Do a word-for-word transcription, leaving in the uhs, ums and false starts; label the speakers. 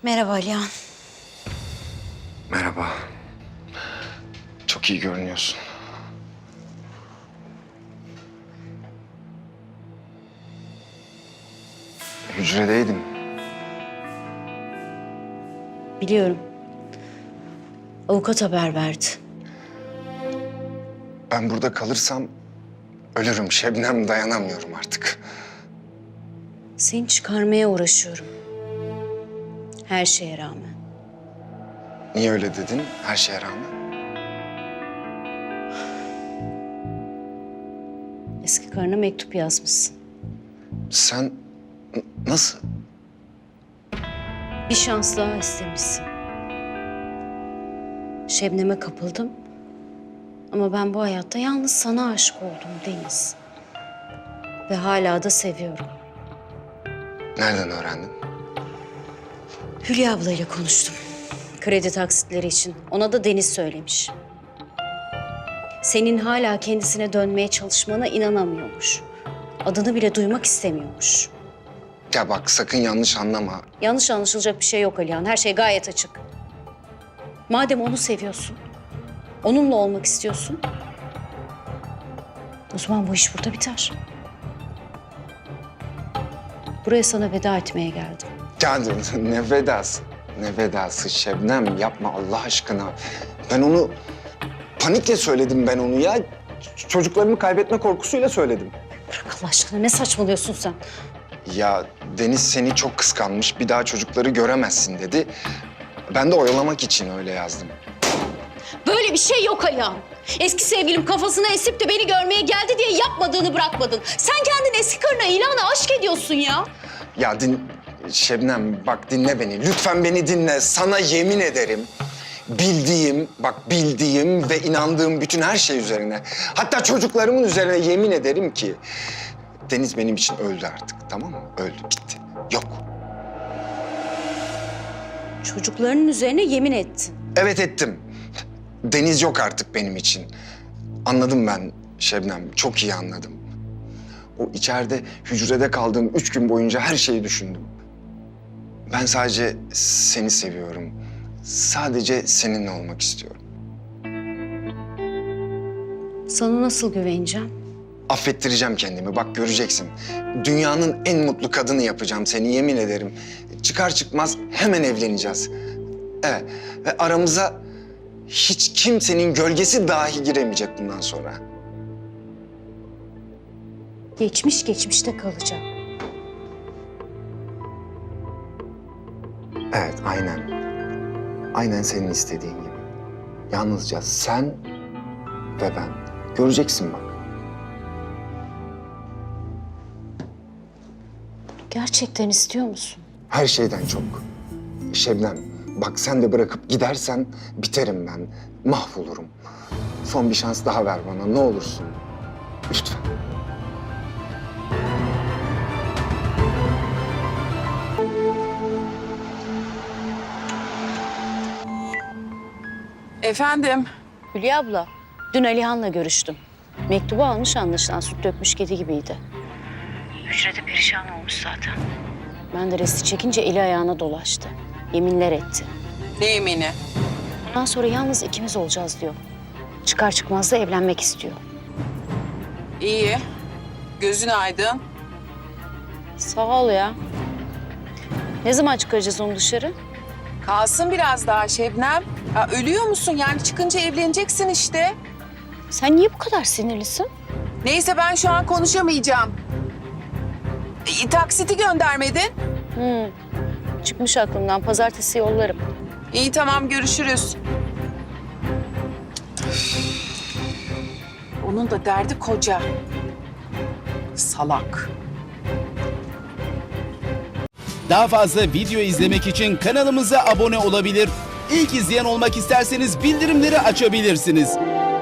Speaker 1: Merhaba Alihan.
Speaker 2: Merhaba. Çok iyi görünüyorsun. Hücredeydim.
Speaker 1: Biliyorum. Avukat haber verdi.
Speaker 2: Ben burada kalırsam ölürüm Şebnem, dayanamıyorum artık.
Speaker 1: Seni çıkarmaya uğraşıyorum. Her şeye rağmen.
Speaker 2: Niye öyle dedin her şeye rağmen?
Speaker 1: Eski karına mektup yazmışsın.
Speaker 2: Sen n- nasıl?
Speaker 1: Bir şans daha istemişsin. Şebnem'e kapıldım. Ama ben bu hayatta yalnız sana aşık oldum Deniz. Ve hala da seviyorum.
Speaker 2: Nereden öğrendin?
Speaker 1: Hülya ablayla konuştum. Kredi taksitleri için. Ona da Deniz söylemiş. Senin hala kendisine dönmeye çalışmana inanamıyormuş. Adını bile duymak istemiyormuş.
Speaker 2: Ya bak sakın yanlış anlama.
Speaker 1: Yanlış anlaşılacak bir şey yok Alihan. Her şey gayet açık. Madem onu seviyorsun, onunla olmak istiyorsun, o zaman bu iş burada biter. Buraya sana veda etmeye geldim.
Speaker 2: Ya ne vedası? Ne vedası Şebnem, yapma Allah aşkına. Ben onu panikle söyledim ben onu ya. Ç- Çocuklarımı kaybetme korkusuyla söyledim.
Speaker 1: Bırak Allah aşkına, ne saçmalıyorsun sen?
Speaker 2: Ya Deniz seni çok kıskanmış, bir daha çocukları göremezsin dedi. Ben de oyalamak için öyle yazdım.
Speaker 1: Böyle bir şey yok Alihan. Eski sevgilim kafasına esip de beni görmeye geldi diye yapmadığını bırakmadın. Sen kendin eski karına ilanı aşk ediyorsun ya.
Speaker 2: Ya din... Şebnem bak dinle beni. Lütfen beni dinle. Sana yemin ederim. Bildiğim, bak bildiğim ve inandığım bütün her şey üzerine. Hatta çocuklarımın üzerine yemin ederim ki... Deniz benim için öldü artık, tamam mı? Öldü, gitti. Yok.
Speaker 1: Çocuklarının üzerine yemin ettin.
Speaker 2: Evet ettim. Deniz yok artık benim için. Anladım ben Şebnem, çok iyi anladım. O içeride hücrede kaldığım üç gün boyunca her şeyi düşündüm. Ben sadece seni seviyorum. Sadece seninle olmak istiyorum.
Speaker 1: Sana nasıl güveneceğim?
Speaker 2: Affettireceğim kendimi, bak göreceksin. Dünyanın en mutlu kadını yapacağım seni, yemin ederim. Çıkar çıkmaz hemen evleneceğiz. Evet, ve aramıza hiç kimsenin gölgesi dahi giremeyecek bundan sonra.
Speaker 1: Geçmiş geçmişte kalacak.
Speaker 2: Evet, aynen. Aynen senin istediğin gibi. Yalnızca sen ve ben. Göreceksin bak.
Speaker 1: Gerçekten istiyor musun?
Speaker 2: Her şeyden çok. Şebnem, bak sen de bırakıp gidersen biterim ben. Mahvolurum. Son bir şans daha ver bana, ne olursun. Lütfen.
Speaker 3: Efendim?
Speaker 1: Hülya abla, dün Alihan'la görüştüm. Mektubu almış anlaşılan, süt dökmüş kedi gibiydi. Hücrede perişan olmuş zaten. Ben de resti çekince eli ayağına dolaştı. Yeminler etti.
Speaker 3: Ne yemini?
Speaker 1: Bundan sonra yalnız ikimiz olacağız diyor. Çıkar çıkmaz da evlenmek istiyor.
Speaker 3: İyi. Gözün aydın.
Speaker 1: Sağ ol ya. Ne zaman çıkaracağız onu dışarı?
Speaker 3: Kalsın biraz daha Şebnem. Ya ölüyor musun? Yani çıkınca evleneceksin işte.
Speaker 1: Sen niye bu kadar sinirlisin?
Speaker 3: Neyse ben şu an konuşamayacağım. E, taksiti göndermedin.
Speaker 1: Hmm. Çıkmış aklımdan. Pazartesi yollarım.
Speaker 3: İyi tamam görüşürüz. Onun da derdi koca. Salak.
Speaker 4: Daha fazla video izlemek için kanalımıza abone olabilir. İlk izleyen olmak isterseniz bildirimleri açabilirsiniz.